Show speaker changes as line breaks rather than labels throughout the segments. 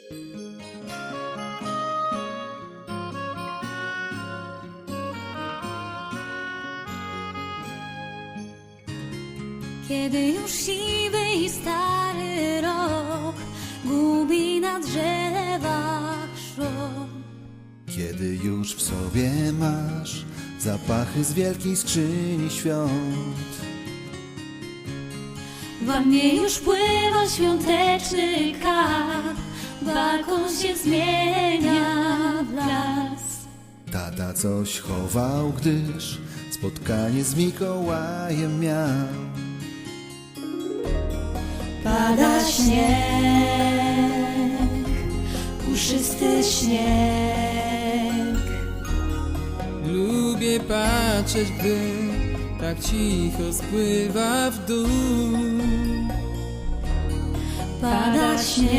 Kiedy już siwy i stary rok gubi na drzewach szron,
Kiedy już w sobie masz zapachy z wielkiej skrzyni świąt,
w wannie już pływa świąteczny kar, balkon się zmienia w las.
tata coś chował, gdyż spotkanie z Mikołajem miał.
Pada śnieg, puszysty śnieg.
Lubię patrzeć, gdy tak cicho spływa w dół.
Pada śnieg,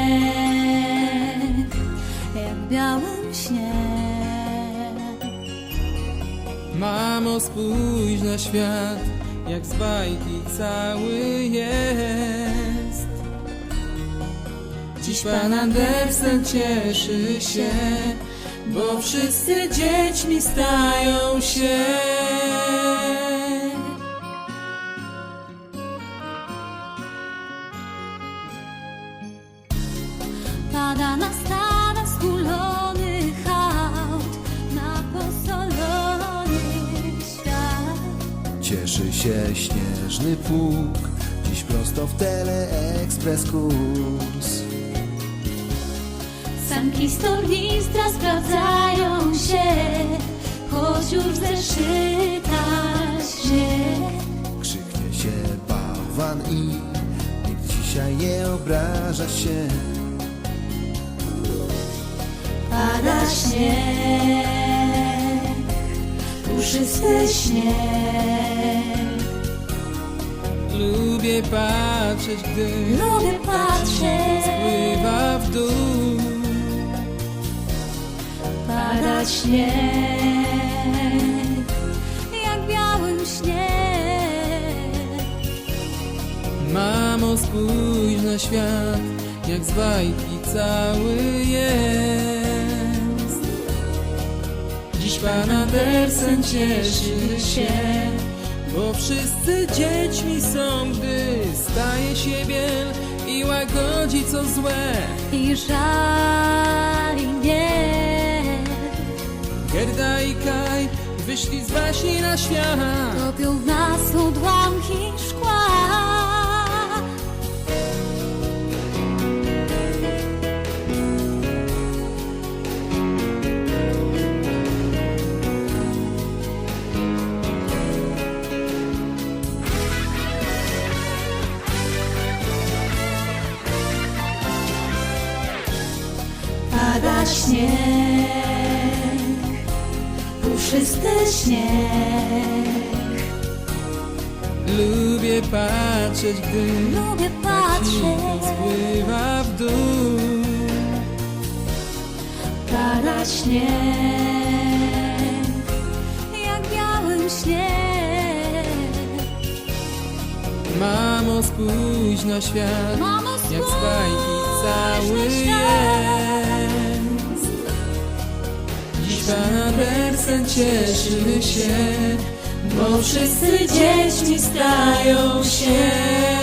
jak w białym śnie.
Mamo, spójrz na świat, jak z bajki cały jest. Dziś Pan Andersen cieszy się, bo wszyscy dziećmi stają się.
Pada na stada skulonych aut, na posolony świat.
Cieszy się śnieżny pług, dziś prosto w Teleekspres kurs.
Sanki z tornistra sprawdzają się, choć już zeszyta śnieg.
Krzyknie się bałwan i nikt dzisiaj nie obraża się.
Pada śnieg, puszysty śnieg.
Lubię patrzeć, gdy
Lubię
tak
patrzeć.
cicho spływa w dół.
Pada śnieg, jak w białym śnie.
Mamo, spójrz na świat, jak z bajki cały jest. Dziś Pan Andersen cieszy się, bo wszyscy dziećmi są, gdy staje się biel i łagodzi co złe.
I żali mnie.
Gerda i Kaj wyszli z baśni na świat.
Topią w nas odłamki szkła. Pada śnieg, puszysty śnieg.
Lubię patrzeć, gdy
Lubię
tak cicho
patrzeć.
spływa w dół.
Pada śnieg, jak w białym śnie.
Mamo, spójrz na świat,
Mamo,
jak z bajki cały
spójrz na świat.
jest. Dziś Pan Andersen cieszy się, bo wszyscy dziećmi stają się.